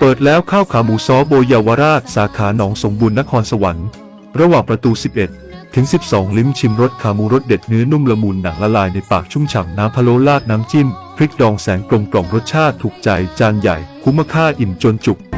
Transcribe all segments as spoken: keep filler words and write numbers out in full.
ปิดแล้วข้าวขาหมูซอโบเยาวราชสาขาหนองสมบูรณ์นครสวรรค์ระหว่างประตูสิบเอ็ดถึงสิบสองลิ้มชิมรสขาหมูรสเด็ดเนื้อนุ่มละมุนหนังละลายในปากชุ่มฉ่ำน้ำพะโล้ราดน้ำจิ้มพริกดองแสงกลมกล่อมรสชาติถูกใจจานใหญ่คุ้มค่าอิ่มจนจุก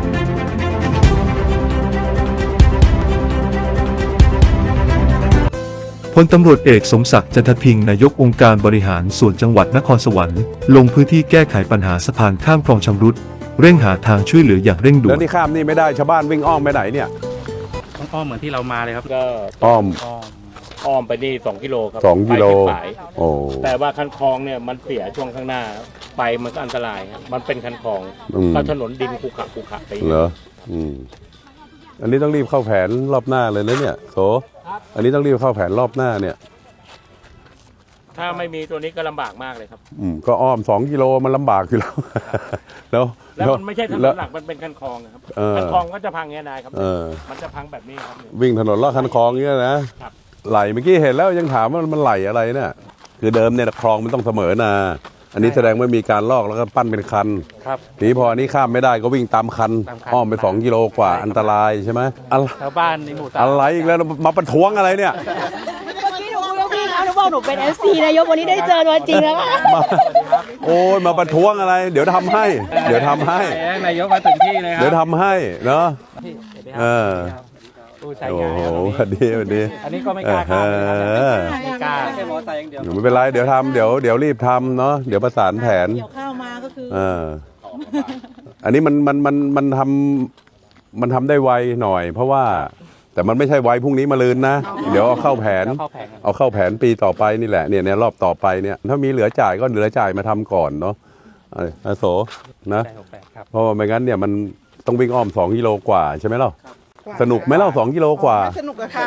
พลตำรวจเอกสมศักดิ์จันทพิงค์นายกองค์การบริหารส่วนจังหวัดนครสวรรค์ลงพื้นที่แก้ไขปัญหาสะพานข้ามคลองชำรุดเร่งหาทางช่วยเหลืออย่างเร่งด่วนแล้วนี่ข้ามนี่ไม่ได้ชาวบ้านวิ่งอ้อมไปไหนเนี่ยต้องอ้อมเหมือนที่เรามาเลยครับก็อ้อมอ้อมอ้อมไปนี่สองกิโลครับสองกิโลไปโอ้แต่ว่าคันคลองเนี่ยมันเสียช่วงข้างหน้าไปมันก็อันตรายครับมันเป็นคันคลองก็ถนนดินขุขะขุขะไปเหรออืมอันนี้ต้องรีบเข้าแผนรอบหน้าเลยนะเนี่ยโสอันนี้ต้องรีบเข้าแผนรอบหน้าเนี่ยถ้าไม่มีตัวนี้ก็ลำบากมากเลยครับอืมก็อ้อมสองกิโลมันลำบากอยู่แล้วแล้วแล้วมันไม่ใช่ถนนหลักมันเป็นคันคลองครับคันคลองก็จะพังเงี้ยนายครับมันจะพังแบบนี้ครับวิ่งถนนลอดคันคลองเงี้ยนะไหลเมื่อกี้เห็นแล้วยังถามว่ามันไหลอะไรเนี่ยคือเดิมเนี่ยคลองมันต้องเสมอนาอันนี้แสดงว่ามีการลอกแล้วก็ปั้นเป็นคันทีนี้พออันนี้ข้ามไม่ได้ก็วิ่งตามคันอ้อมไปสองกิโลกว่าอันตรายใช่ไหมชาวบ้านในหมู่บ้านอะไรอีกแล้วมาประท้วงอะไรเนี่ยหนูบอกหนูเป็น เอฟ ซี นายกวันนี้ได้เจอตัวจริงแล้วโอ้ยมาประท้วงอะไรเดี๋ยวทำให้เดี๋ยวทำให้นายกมาถึงที่เลยครับเดี๋ยวทำให้เนาะเออโอ้โหวันนี้วันนี้อันนี้ก็ไม่กล้าข้ามไม่กล้าแค่มอไซค์อย่างเดียวไม่เป็นไรเดี๋ยวทำเดี๋ยวเดี๋ยวรีบทำเนาะเดี๋ยวประสานแผนเดี๋ยวเข้ามาก็คือเอออันนี้มันมันมันมันทำมันทำได้ไวหน่อยเพราะว่าแต่มันไม่ใช่ไว้พรุ่งนี้มาลืนนะเดี๋ยวเอาเข้าแผนเอาเข้าแผนปีต่อไปนี่แหละเนี่ยในรอบต่อไปเนี่ยถ้ามีเหลือจ่ายก็เหลือจ่ายมาทำก่อนเนาะอาโสนะเพราะว่าไม่งั้นเนี่ยมันต้องวิ่งอ้อมสองกิโลกว่าใช่ไหมเล่าสนุกไหมเล่าสองกิโลกว่าสนุกอะค่ะ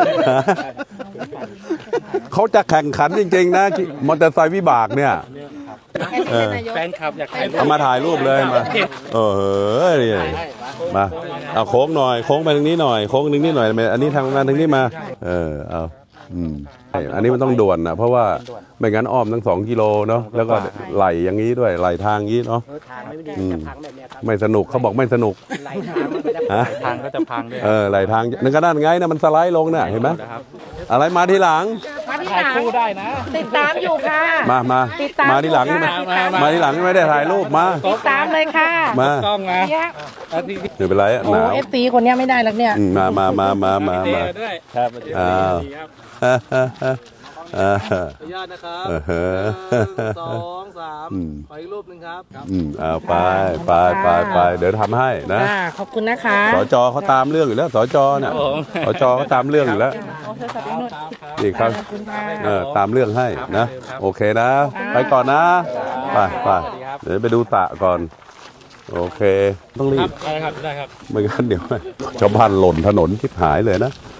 เขาจะแข่งขันจริงๆนะมอเตอร์ไซค์วิบากเนี่ยแฟนคลับอยากถ่ายรูปเอามาถ่ายรูปเลยมาเออนี่มาเอาโค้งหน่อยโค้งไปทางนี้หน่อยโค้งนึงนี่หน่อยอันนี้ทางงานทางนี้มาเออเอาอืมอันนี้มันต้องด่วนนะเพราะว่าไม่งั้นอ้อมทั้งสองกิโลเนาะแล้วก็ไหลอย่างนี้ด้วยไหลทางนี้เนาะไม่สนุกเขาบอกไม่สนุกไหลทางก็จะพังด้วยเออไหลทางนั่นก็ด้านไงนะมันสไลด์ลงน่ะเห็นไหมอะไรมาทีหลังถ่ายคู่ได้นะติดตามอยู่ค่ะมามามาทีหลังมามาทีหลังไม่ได้ถ่ายรูปมาติดตามเลยค่ะมากล้องนะไม่เป็นไรหนาวเอฟซีคนนี้ไม่ได้แล้วเนี่ยมามามามามามาครับอ้าวขออนุญาตนะครับหนึ่งสองสามขออีกรูปหนึ่งครับอืมเอาไปไปไปไปเดี๋ยวทำให้นะขอบคุณนะคะสจเขาตามเรื่องอยู่แล้วสจเนี่ยสจเขาตามเรื่องอยู่แล้วนี่ครับเออตามเรื่องให้นะโอเคนะไปก่อนนะไปไปเดี๋ยวไปดูตะก่อนโอเคต้องรีบได้ครับได้ครับไม่งั้นเดี๋ยวชาวบ้านหล่นถนนทิพหายเลยนะ